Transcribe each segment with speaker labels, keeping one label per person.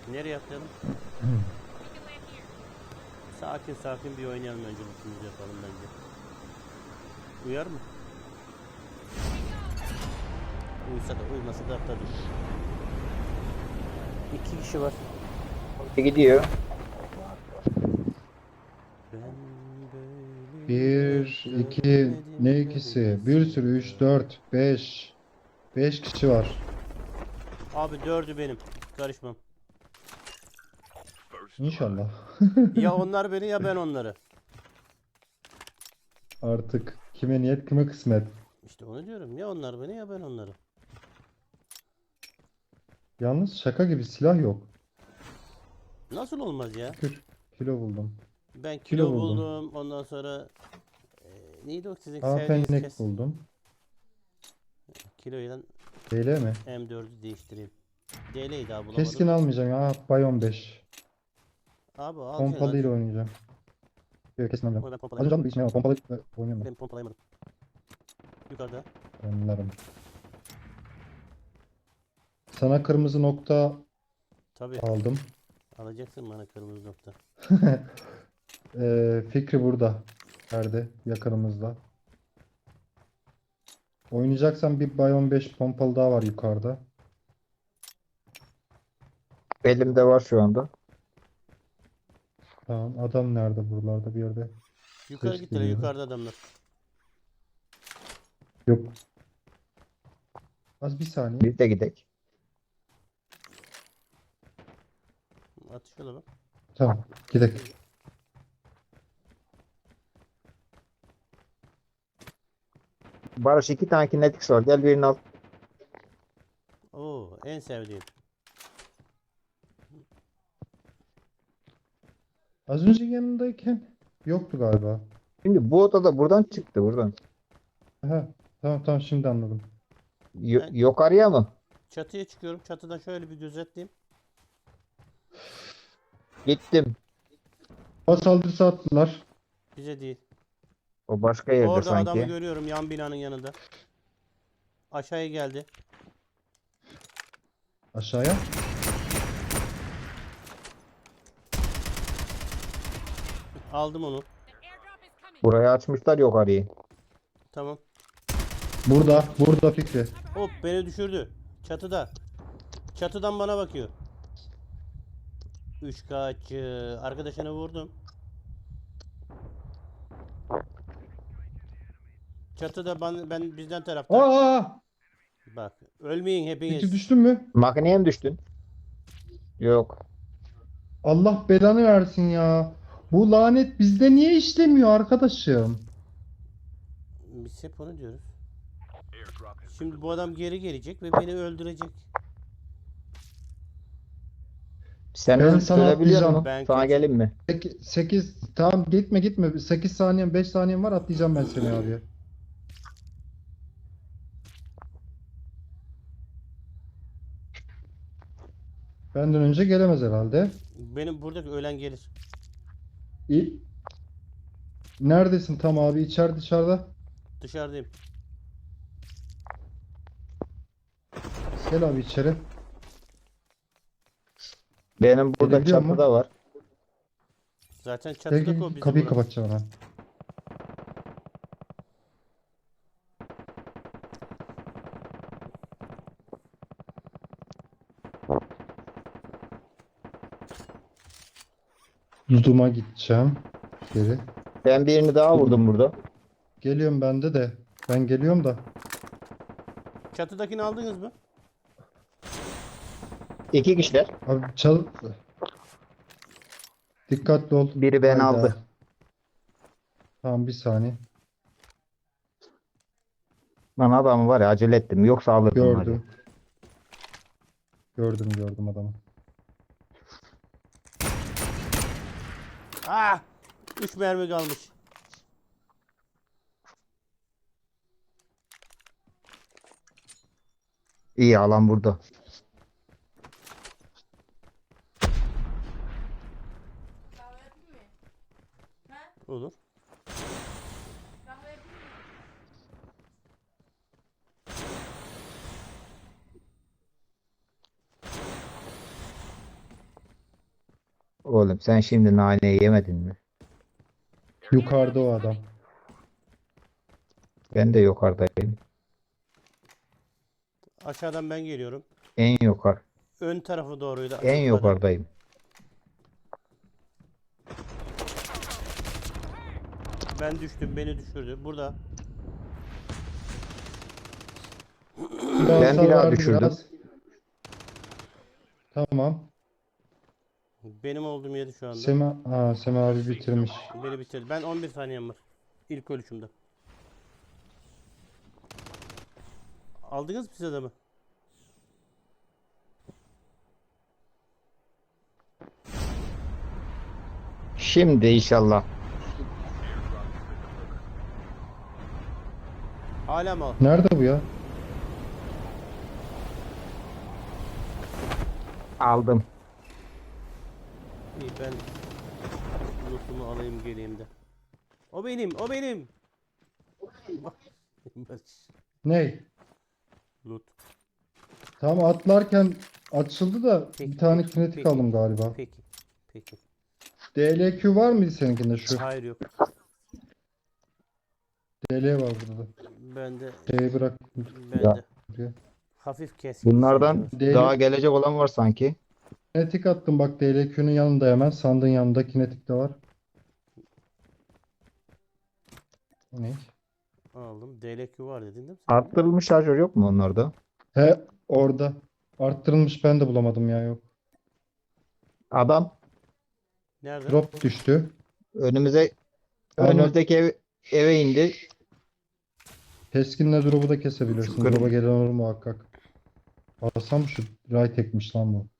Speaker 1: Nereye atlayalım? Sakin sakin bir oynayalım önce, bütünümüzü yapalım bence. Uyar mı? Uysa da uymasa da atladık. 2 kişi var.
Speaker 2: Gidiyor.
Speaker 1: Ben böyle
Speaker 3: Bir, iki,
Speaker 1: görmedim
Speaker 3: ne ikisi? Bir sürü,
Speaker 1: neredeyse.
Speaker 3: 3, 4, 5. 5 kişi var.
Speaker 1: Abi 4'ü benim. Karışmam.
Speaker 3: İnşallah.
Speaker 1: Ya onlar beni ya ben onları.
Speaker 3: Artık kime niyet kime kısmet.
Speaker 1: İşte onu diyorum. Ya onlar beni ya ben onları.
Speaker 3: Yalnız şaka gibi silah yok.
Speaker 1: Nasıl olmaz ya?
Speaker 3: Şükür. Kilo buldum.
Speaker 1: Ben
Speaker 3: Kilo
Speaker 1: kilo
Speaker 3: buldum.
Speaker 1: buldum. Ondan sonra neydi o sizin
Speaker 3: Afenlik
Speaker 1: sevdiğiniz kes?
Speaker 3: buldum.
Speaker 1: Kiloyla
Speaker 3: DL mi?
Speaker 1: M4'ü değiştireyim. DL'ydi abi, bulamadım.
Speaker 3: Keskin almayacağım ya. Bay 15.
Speaker 1: Abi alacaksın.
Speaker 3: Pompalıyla oynayacağım. Yok keskin
Speaker 1: Ama
Speaker 3: alacağım.
Speaker 1: ben
Speaker 3: Az
Speaker 1: pompalayamadım.
Speaker 3: önce bir içine pompalı oynuyorum ben.
Speaker 1: Ben pompalayamadım. Yukarıda.
Speaker 3: Anlarım. Sana kırmızı nokta
Speaker 1: Tabii.
Speaker 3: aldım.
Speaker 1: Alacaksın bana kırmızı nokta.
Speaker 3: Fikri burada. Nerede? Yakınımızda. Oynayacaksan bir Bay 15 pompalı daha var yukarıda.
Speaker 2: Elimde var şu anda.
Speaker 3: Tamam. Adam nerede buralarda bir yerde?
Speaker 1: Yukarı
Speaker 3: Ses
Speaker 1: gittiler.
Speaker 3: geliyor.
Speaker 1: Yukarıda adamlar.
Speaker 3: Yok. Az bir saniye.
Speaker 2: Biz de gidek.
Speaker 1: Atışıyorlar bak.
Speaker 3: Tamam. Gidelim.
Speaker 2: Barış 2 tane kinetiks var. Gel birini al.
Speaker 1: Oo, en sevdiğim.
Speaker 3: Az önce yanındayken yoktu galiba.
Speaker 2: Şimdi bu odada buradan çıktı buradan.
Speaker 3: Aha, tamam şimdi anladım.
Speaker 1: Ben-
Speaker 2: Yok araya mı?
Speaker 1: Çatıya çıkıyorum. Çatıdan şöyle bir gözetleyeyim.
Speaker 2: Gittim.
Speaker 3: Hava saldırısı attılar.
Speaker 1: Bize değil.
Speaker 2: O başka yerde
Speaker 1: Orada adamı
Speaker 2: sanki.
Speaker 1: görüyorum yan binanın yanında. Aşağıya geldi.
Speaker 3: Aşağıya.
Speaker 1: Aldım onu.
Speaker 2: Burayı açmışlar yok arayı.
Speaker 1: Tamam.
Speaker 3: Burada Fikri.
Speaker 1: Hop, beni düşürdü. Çatıda. Çatıdan bana bakıyor. 3 kaç. Arkadaşını vurdum. Çatıda ben bizden tarafta.
Speaker 3: Aa!
Speaker 1: Bak, ölmeyin
Speaker 3: Fikri
Speaker 1: hepiniz.
Speaker 3: düştün mü?
Speaker 2: Makineye mi düştün? Yok.
Speaker 3: Allah belanı versin ya. Bu lanet bizde niye işlemiyor arkadaşım?
Speaker 1: Biz hep onu diyoruz. Şimdi bu adam geri gelecek ve beni öldürecek.
Speaker 2: Sen
Speaker 3: Ben sana
Speaker 2: ölebiliyor
Speaker 3: atlayacağım.
Speaker 2: musun?
Speaker 1: Ben
Speaker 2: Sana
Speaker 1: kaçayım.
Speaker 2: gelin mi?
Speaker 3: 8 tamam gitme. 8 saniyen 5 saniyen var atlayacağım ben seni abi. Benden önce gelemez herhalde.
Speaker 1: Benim buradaki ölen gelir.
Speaker 3: İyi. Neredesin tam abi? İçeride dışarıda.
Speaker 1: Dışarıdayım.
Speaker 3: Gel abi içeri.
Speaker 2: Benim burada
Speaker 3: Gelebiliyor mu?
Speaker 2: çatıda var.
Speaker 1: Zaten
Speaker 3: Gel
Speaker 1: çatıda
Speaker 3: gel
Speaker 1: o bizim
Speaker 3: kapıyı
Speaker 1: buramız.
Speaker 3: kapatacağım hemen. Duduma gideceğim. Geri.
Speaker 2: Ben birini daha vurdum burada.
Speaker 3: Geliyorum bende de. Ben geliyorum da.
Speaker 1: Çatıdakini aldınız mı?
Speaker 2: 2 kişiler.
Speaker 3: Abi çal... Dikkatli ol.
Speaker 2: Biri beni
Speaker 3: Hayda.
Speaker 2: aldı.
Speaker 3: Tamam bir saniye.
Speaker 2: Lan adamı var ya acele ettim. Yoksa alırdım var ya.
Speaker 3: Gördüm. Gördüm adamı.
Speaker 1: Ah! 3 mermi kalmış.
Speaker 2: İyi alan burada.
Speaker 1: Olur.
Speaker 2: Oğlum sen şimdi naneyi yemedin mi?
Speaker 3: Yukarıda o adam.
Speaker 2: Ben de yukarıdayım.
Speaker 1: Aşağıdan ben geliyorum.
Speaker 2: En yukarı.
Speaker 1: Ön tarafı doğruydu.
Speaker 2: En
Speaker 1: açılmadı.
Speaker 2: yukarıdayım.
Speaker 1: Ben düştüm. Beni düşürdü. Burada.
Speaker 2: Ben bir daha
Speaker 3: var
Speaker 2: düşürdüm.
Speaker 3: biraz. Tamam.
Speaker 1: Benim olduğum yeri şu anda.
Speaker 3: Sema abi bitirmiş.
Speaker 1: Beni bitirdi. Ben 11 saniyem var. İlk ölüşümde. Aldınız mı siz adamı?
Speaker 2: Şimdi inşallah.
Speaker 1: Hala mı?
Speaker 3: Nerede bu ya?
Speaker 2: Aldım.
Speaker 1: İyi, ben lootumu alayım geleyim de. O benim, o benim.
Speaker 3: Ney?
Speaker 1: Loot.
Speaker 3: Tam atlarken açıldı da
Speaker 1: Peki,
Speaker 3: bir tane
Speaker 1: peki,
Speaker 3: kinetik
Speaker 1: peki.
Speaker 3: aldım galiba.
Speaker 1: Peki. Peki.
Speaker 3: DLQ var mıydı seninkinde şu?
Speaker 1: Hayır yok.
Speaker 3: DL var burada.
Speaker 1: Bende
Speaker 3: D'yi bırak.
Speaker 1: bende.
Speaker 3: buraya.
Speaker 1: Hafif keskin.
Speaker 2: Bunlardan
Speaker 1: sanki var.
Speaker 3: Değil.
Speaker 2: daha gelecek olan var sanki.
Speaker 3: Kinetik attım bak DLQ'nun yanında hemen. Sandığın yanında kinetik de var. O ne?
Speaker 1: Aldım. DLQ var dedin değil mi sen?
Speaker 2: Arttırılmış şarjör yok mu onlarda?
Speaker 3: He orada. Arttırılmış ben de bulamadım ya yok.
Speaker 2: Adam
Speaker 1: Nerede?
Speaker 3: Drop düştü.
Speaker 2: önümüze
Speaker 3: Ama
Speaker 2: önümüzdeki eve indi.
Speaker 3: keskinle drop'u da kesebilirsin.
Speaker 2: Şu kırm-
Speaker 3: Drop'a gelen olur muhakkak. Baksam şu ray tekmiş lan bu.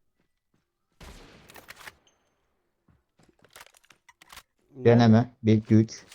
Speaker 1: Nerede?
Speaker 2: Deneme. 1 2 3.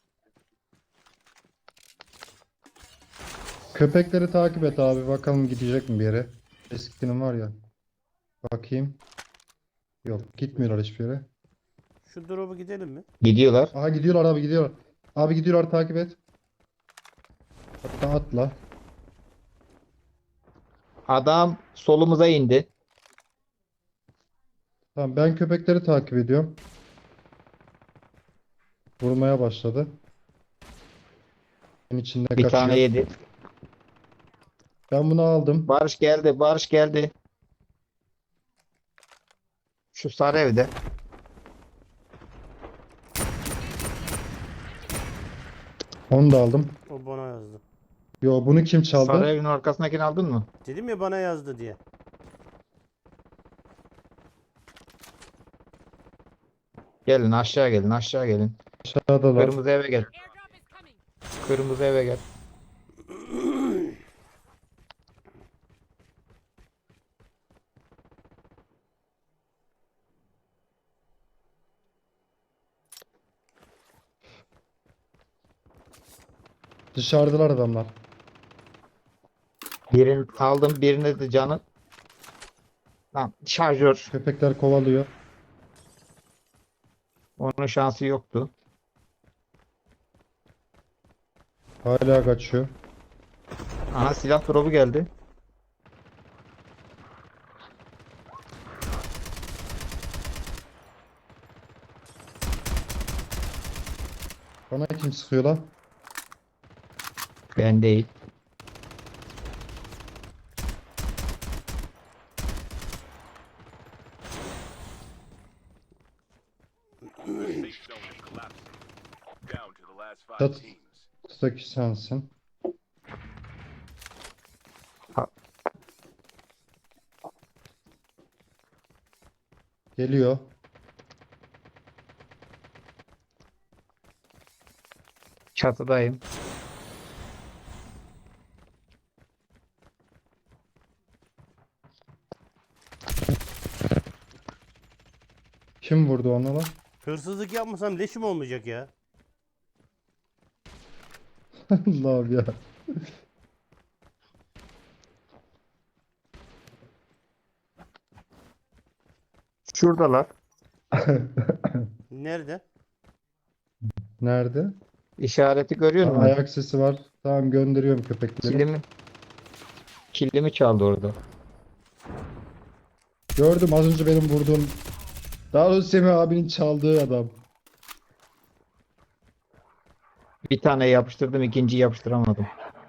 Speaker 3: Köpekleri takip et abi. Bakalım gidecek mi bir yere. Keskinin var ya. Bakayım. Yok gitmiyorlar hiçbir yere.
Speaker 1: Şu drop'a gidelim mi?
Speaker 2: Gidiyorlar.
Speaker 3: Aha gidiyorlar abi gidiyorlar. Abi gidiyorlar takip et. Hatta atla.
Speaker 2: Adam solumuza indi.
Speaker 3: Tamam ben köpekleri takip ediyorum. Vurmaya başladı. En içinde
Speaker 2: Bir
Speaker 3: kaçıyor.
Speaker 2: tane yedi.
Speaker 3: Ben bunu aldım.
Speaker 2: Barış geldi. Barış geldi. Şu sarı evde.
Speaker 3: Onu da aldım.
Speaker 1: O bana yazdı.
Speaker 3: Yo bunu kim
Speaker 2: Sarı
Speaker 3: çaldı?
Speaker 2: evin arkasındakini aldın mı?
Speaker 1: Dedim ya bana yazdı diye.
Speaker 2: Gelin aşağı gelin aşağı gelin.
Speaker 3: Aşağıdalar.
Speaker 2: Kırmızı eve gel.
Speaker 4: Airdrop is coming.
Speaker 2: Kırmızı eve gel.
Speaker 3: Dışarıdalar adamlar.
Speaker 2: Birini aldım. Birine de canı. Lan şarjör.
Speaker 3: Köpekler kovalıyor.
Speaker 2: Onun şansı yoktu.
Speaker 3: Hala kaçıyor.
Speaker 2: Aha silah drop'u geldi.
Speaker 3: Bana kim sıkıyor lan?
Speaker 2: Ben değil.
Speaker 5: Safe zone is collapsing. Down to the last 5
Speaker 3: That-
Speaker 5: teams.
Speaker 3: Üstteki sensin.
Speaker 2: Ha.
Speaker 3: Geliyor.
Speaker 2: Çatıdayım.
Speaker 3: Kim vurdu ona lan?
Speaker 1: Hırsızlık yapmasam leşim olmayacak ya.
Speaker 3: Allah'ım ya.
Speaker 2: Şuradalar.
Speaker 1: Nerede?
Speaker 3: Nerede?
Speaker 2: İşareti görüyor musun?
Speaker 3: Ayak sesi var. Tamam gönderiyorum köpekleri.
Speaker 2: Kilimi çaldı orada.
Speaker 3: Gördüm az önce benim vurduğum Daha doğrusu Semih abinin çaldığı adam.
Speaker 2: Bir tane yapıştırdım, ikinciyi yapıştıramadım.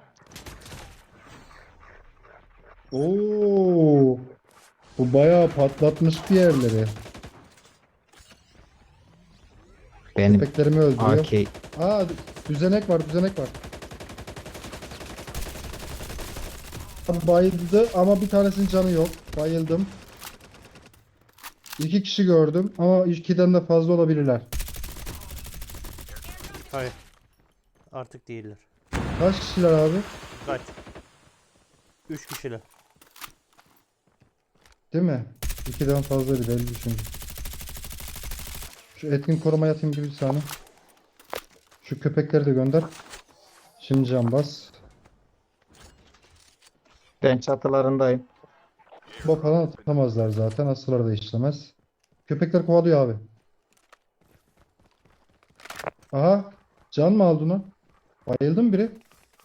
Speaker 3: Oo, bu bayağı patlatmış bir yerleri.
Speaker 2: Benim
Speaker 3: Köpeklerimi öldürüyor.
Speaker 2: AK.
Speaker 3: Aa, düzenek var, düzenek var. Bayıldı ama bir tanesinin canı yok. Bayıldım. İki kişi gördüm ama ikiden de fazla olabilirler.
Speaker 1: Hayır. Artık değiller.
Speaker 3: Kaç kişiler abi?
Speaker 1: Kaç? 3 kişiler.
Speaker 3: Değil mi? İkiden fazlaydı belli çünkü. Şu etkin koruma yatayım gibi bir saniye. Şu köpekleri de gönder. Şimdi can bas.
Speaker 2: Ben çatılarındayım.
Speaker 3: Bu falan atamazlar zaten. Asıllar da işlemez. Köpekler kovalıyor abi. Aha. Can mı aldın o? Bayıldı mı biri?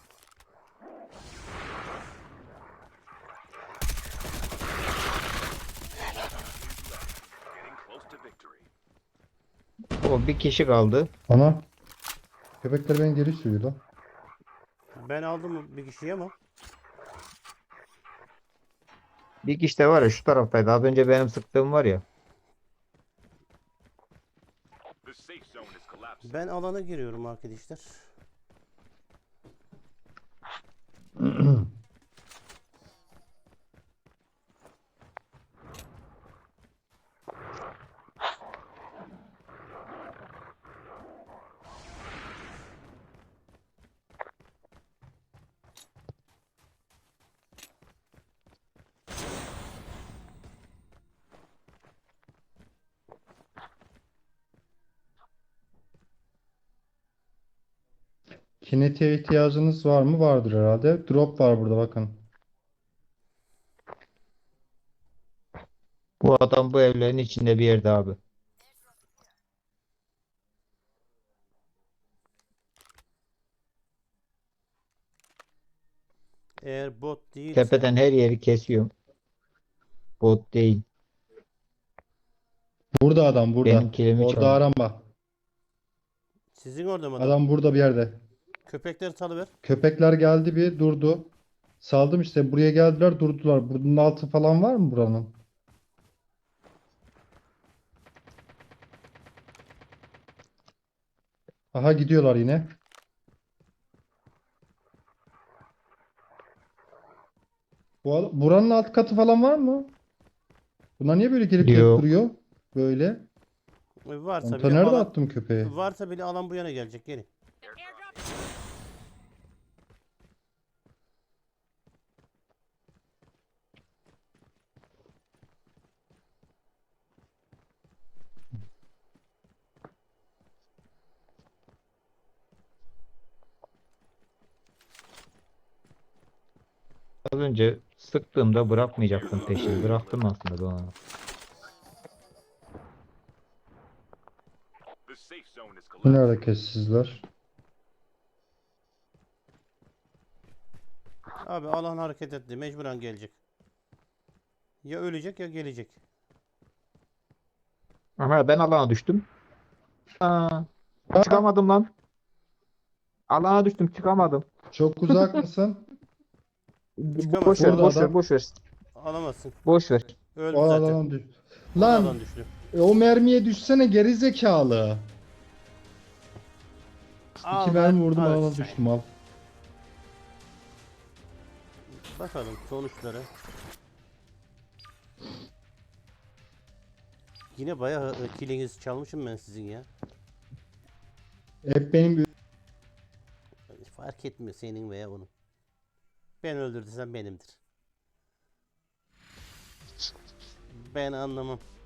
Speaker 5: Getting close to victory.
Speaker 2: O bir kişi kaldı.
Speaker 3: Ana. Köpekler beni geri sürüyor lan.
Speaker 1: Ben aldım bir kişiyi ama.
Speaker 2: Bir kişi de var ya şu taraftaydı. Az önce benim sıktığım var ya.
Speaker 5: The safe zone is collapsing.
Speaker 1: Ben alana giriyorum arkadaşlar.
Speaker 3: Kinetiğe ihtiyacınız var mı? Vardır herhalde. Drop var burada bakın.
Speaker 2: Bu adam bu evlerin içinde bir yerde abi.
Speaker 1: Eğer bot değilse
Speaker 2: Tepeden her yeri kesiyorum. Bot değil.
Speaker 3: Burada adam burada.
Speaker 2: Benim kilimi
Speaker 3: Orada
Speaker 2: çaldı.
Speaker 3: arama.
Speaker 1: sizin orada mı adam?
Speaker 3: Adam burada bir yerde.
Speaker 1: Köpekleri salıver.
Speaker 3: Köpekler geldi bir durdu. Saldım işte buraya geldiler durdular. Bunun altı falan var mı buranın? Aha gidiyorlar yine. Buranın alt katı falan var mı? Bunlar niye böyle gelip gelip
Speaker 2: Yok.
Speaker 3: duruyor? Böyle.
Speaker 1: Varsa
Speaker 3: Onta
Speaker 1: bile
Speaker 3: nerede
Speaker 1: alan
Speaker 3: attım köpeği?
Speaker 1: varsa bile alan bu yana gelecek gelin.
Speaker 2: Az önce sıktığımda bırakmayacaktım peşini. Bıraktım aslında ben onu.
Speaker 5: The safe zone is
Speaker 3: Bu
Speaker 5: collapsing.
Speaker 3: nerede kessizler?
Speaker 1: Abi alan hareket etti. Mecburen gelecek. Ya ölecek ya gelecek.
Speaker 2: Ama ben alana düştüm. Aa, çıkamadım lan. Alana düştüm çıkamadım.
Speaker 3: Çok uzak mısın?
Speaker 2: Boş ver,
Speaker 3: Burada
Speaker 2: boş ver,
Speaker 3: adam.
Speaker 2: boş ver.
Speaker 1: Alamazsın.
Speaker 2: Boş ver.
Speaker 1: Öldü
Speaker 3: O
Speaker 1: zaten.
Speaker 3: alan düş.
Speaker 1: O
Speaker 3: Lan
Speaker 1: alan düştü.
Speaker 3: o mermiye düşsene geri zekalı.
Speaker 1: Al
Speaker 3: İki
Speaker 1: lan,
Speaker 3: mermi vurdum
Speaker 1: al
Speaker 3: alana
Speaker 1: sen.
Speaker 3: düştüm al.
Speaker 1: Bakalım sonuçları. Yine bayağı killinizi çalmışım ben sizin ya.
Speaker 3: Hep benim
Speaker 1: Fark etmiyor senin veya onun. Ben öldürdüysem benimdir. Ben anlamam.